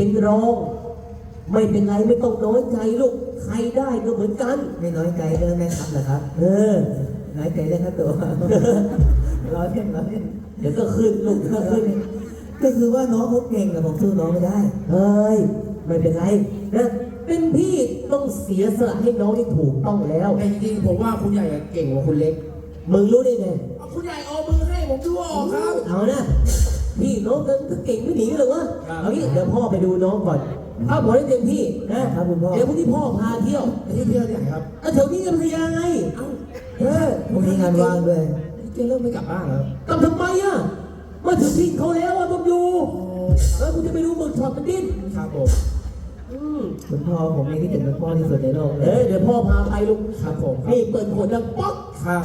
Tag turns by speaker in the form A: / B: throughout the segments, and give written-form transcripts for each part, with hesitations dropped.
A: เป็นรองไม่เป็นไรไม่ต้องน้อยใจลูกใครได้ก็เหมือนกัน
B: ไม่น้อยใจเรื่องแม่ครับเหรอครับน้อยใจเรื่องค่าตัวร้อยเล่น
A: เดี๋ยวก็ขึ้นลูกก็ขึ้น
B: ก็คือว่าน้องเขาเก่งแต่ผมสู้น้องไม่ได้
A: เฮ้ยไม่เป็นไรนะเป็นพี่ต้องเสียสละให้น้องที่ถูกต้องแล้ว
C: แต่จริงๆผมว่าคุณใหญ่เก่งกว่าคุณเล็ก
A: มึงรู้ได้ไง
C: คุณใหญ่เอามือให้ผมดูออกครับ
A: เอานะพี่น้องกันเก่งไม่หนีกันเลยวะเอางี้เดี๋ยวพ่อไปดูน้องก่อนถ้าบอกได้เต็มที่นะครับ
B: คุณพ่อ
A: เดี๋ยวพรุ่งนี้พ่อพาเที่ยว
C: เที่ยวที่ไหนครับ
A: แถวนี้กันพยาไง
B: พรุ่งนี้งานว่างด้วย
C: เจ๊เริ่มไม่กลับบ้านแล้ว
A: กลับทำไมอ่ะมาถึงที่เขาแล้วอ่ะต้องอยู่แล้วคุณจะไปดูหมึกช็อตมันดิ้น
C: ครับผม
B: คุณพ่อผมมีที่ถึงเป็นพ่อที่สุดในโลก
A: เดี๋ยวพ่อพาไปลูก
C: ครับผม
A: นี่เปิดขวดดังป๊อก
C: ครับ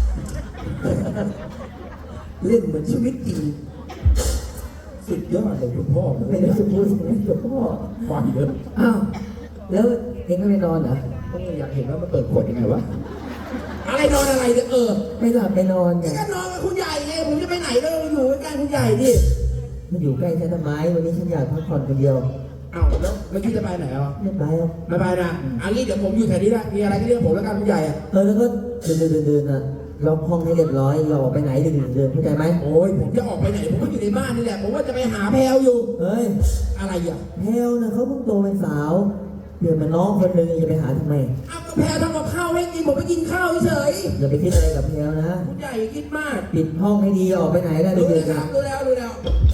C: เล่นเหมือนชีวิตจริงสุดยอดเลยคุณพ่อ
B: ไม่ได้พูดกับพ่อ
C: ความเยอะ
B: อ้าวแล้วเองก็ไม่นอนเหรอ
C: ก็อยากเห็นว่ามันเปิดขวดยังไงวะอะไรนอนอะไรเนี่ย
B: ไม่หลับไม่นอนไง
C: ก็นอนกับคุณใหญ่ไงผมจะไปไหนก็อยู่ใกล้คุณใหญ่ดิ
B: มันอยู่ใกล้ฉันทำไมวันนี้ฉันอยากพักผ่อนคนเดียว
C: อ้าวแล้วเมื่อกี้จะไปไหนอ่ะ
B: ไม่ไปหรอก
C: ไม่ไปนะอันนี้เดี๋ยวผมอยู่แถวนี้นะมีอะไรก็เรียกผมแล้วกันคุณใหญ่
B: แล้วก็เดินนะล็อกห้องให้เรียบร้อยเราออกไปไหนเดินเข้าใจไหม
C: โอ้ยผมจะออกไปไหนผมก็อยู่ในบ้านนี่แหละผมว่าจะไปหาแพลวอยู่
B: เฮ้ย
C: อะไรอ่ะ
B: แพลวนะเขาเพิ่งโตเป็นสาวเดี๋ยวมันน้องคนนึงจะไปหาทำไม
C: อ้าวก็แพลวทำกับข้าวให้กินผมไปกินข้าวเฉย
B: อย่าไปคิดอะไรกับแพลวนะ
C: คุณใหญ่คิดมาก
B: ปิดห้องให้ดีออกไปไหนก็
C: ดู
B: เดิน
C: แล้วดูแล้ว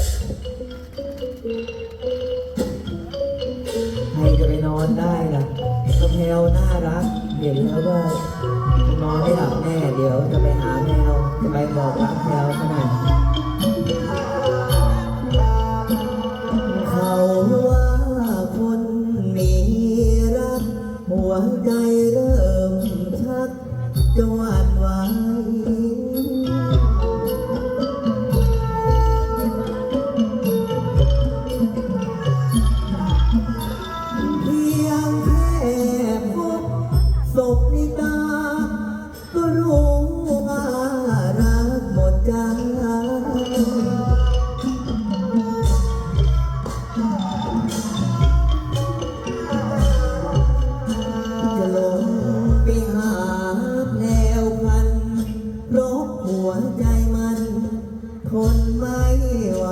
B: ใครจะไปนอนได้ล่ะก็แพลวน่ารักเห็นแล้วก็นอนไม่หลับแน่เดี๋ยวจะไปหาแพลวจะไปบอกรักแพลวขนาดเขาว่าคนมีรักหัวใจเริ่มชักจะหวั่นไหวเพียงแค่พบศพนิตาก็รู้ว่ารักหมดใจจะลงไปหาแนวพันเพราะหัวใจมันทนไม่ไหว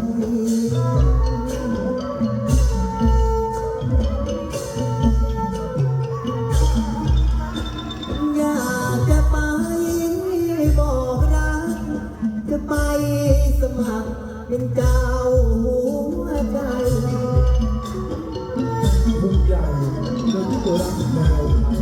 B: อยากจะไปบอกรักจะไปสมัครเป็นเจ้าหัวใจ
C: คุณใหญ่เรื่องที่ตัวรักแพลว